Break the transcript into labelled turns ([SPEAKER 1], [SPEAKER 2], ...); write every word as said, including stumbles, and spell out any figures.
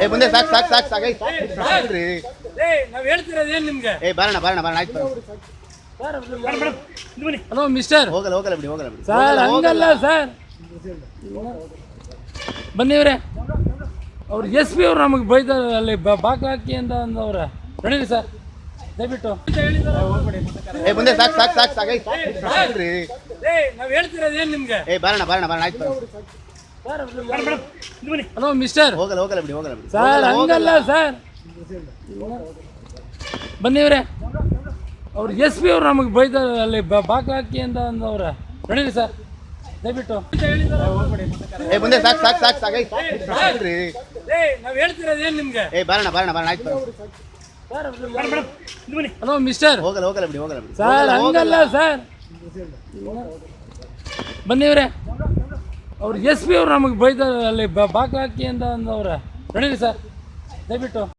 [SPEAKER 1] ಏ ಮುಂದೆ ಸಾಕು ಸಾಕು ಸಾಕು ಸಾಕೈ ಸಾಕ್ರಿ.
[SPEAKER 2] ನಾವ್ ಹೇಳ್ತಿರೋದು ಏನ್ ನಿಮ್ಗೆ?
[SPEAKER 1] ಏ ಬರೋಣ ಬರೋಣ ಬರೋಣ ಆಯ್ತು
[SPEAKER 2] ಹಲೋ ಮಿಸ್ಟರ್.
[SPEAKER 1] ಹೋಗಲ್ಲ ಹೋಗಲ್ಲ ಬಿಡಿ ಹೋಗಲ್ಲ ಬಿಡಿ
[SPEAKER 2] ಸರ್ ಹಂಗಲ್ಲ ಸರ್, ಬನ್ನಿವ್ರೆ. ಅವ್ರು ಎಸ್ ಪಿ ಅವ್ರು ನಮಗೆ ಬೈತಾರೆ ಅಲ್ಲಿ ಬಾಕ್ಲ ಹಾಕಿ ಅಂತ ಅಂದವ್ರ. ನಡೀರಿ ಸರ್ ದಯವಿಟ್ಟು.
[SPEAKER 1] ಏ ಮುಂದೆ ಸಾಕು ಸಾಕು ಸಾಕು ಸಾಕೈ ಸಾಕ್ರಿ.
[SPEAKER 2] ನಾವ್ ಹೇಳ್ತಿರೋದು ಏನ್ ನಿಮ್ಗೆ?
[SPEAKER 1] ಏ ಬರೋಣ ಬರೋಣ ಬರೋಣ ಆಯ್ತು
[SPEAKER 2] ಹಲೋ ಮಿಸ್ಟರ್.
[SPEAKER 1] ಹೋಗಲ್ಲ ಹೋಗಲ್ಲ ಬಿಡಿ ಹೋಗಲ್ಲ ಬಿಡಿ
[SPEAKER 2] ಸರ್ ಹಂಗಲ್ಲ ಸರ್, ಬನ್ನಿವ್ರೆ. ಅವ್ರು ಎಸ್ ಪಿ ಅವ್ರು ನಮಗೆ ಬೈತಾರೆ ಅಲ್ಲಿ ಬಾಕ್ಲ ಹಾಕಿ ಅಂತ ಅಂದವ್ರ. ನಡೀರಿ ಸರ್ ದಯವಿಟ್ಟು.
[SPEAKER 1] ಏ ಮುಂದೆ ಸಾಕು ಸಾಕು ಸಾಕು ಸಾಕೈ ಸಾಕ್ರಿ.
[SPEAKER 2] ನಾವ್ ಹೇಳ್ತಿರೋದು ಏನ್ ನಿಮ್ಗೆ?
[SPEAKER 1] ಏ ಬರೋಣ ಬರೋಣ ಬರೋಣ ಆಯ್ತು
[SPEAKER 2] ಹಲೋ ಮಿಸ್ಟರ್.
[SPEAKER 1] ಹೋಗಲ್ಲ ಹೋಗಲ್ಲ ಬಿಡಿ ಹೋಗಲ್ಲ ಬಿಡಿ
[SPEAKER 2] ಸರ್ ಹಂಗಲ್ಲ ಸರ್, ಬನ್ನಿವ್ರೆ. ಅವ್ರು ಎಸ್ ಪಿ ಅವ್ರು ನಮಗೆ ಬೈತಾರೆ ಅಲ್ಲಿ ಬಾಕ್ಲ ಹಾಕಿ ಅಂತ ಅಂದವ್ರ. ನಡೀರಿ ಸರ್ ದಯವಿಟ್ಟು.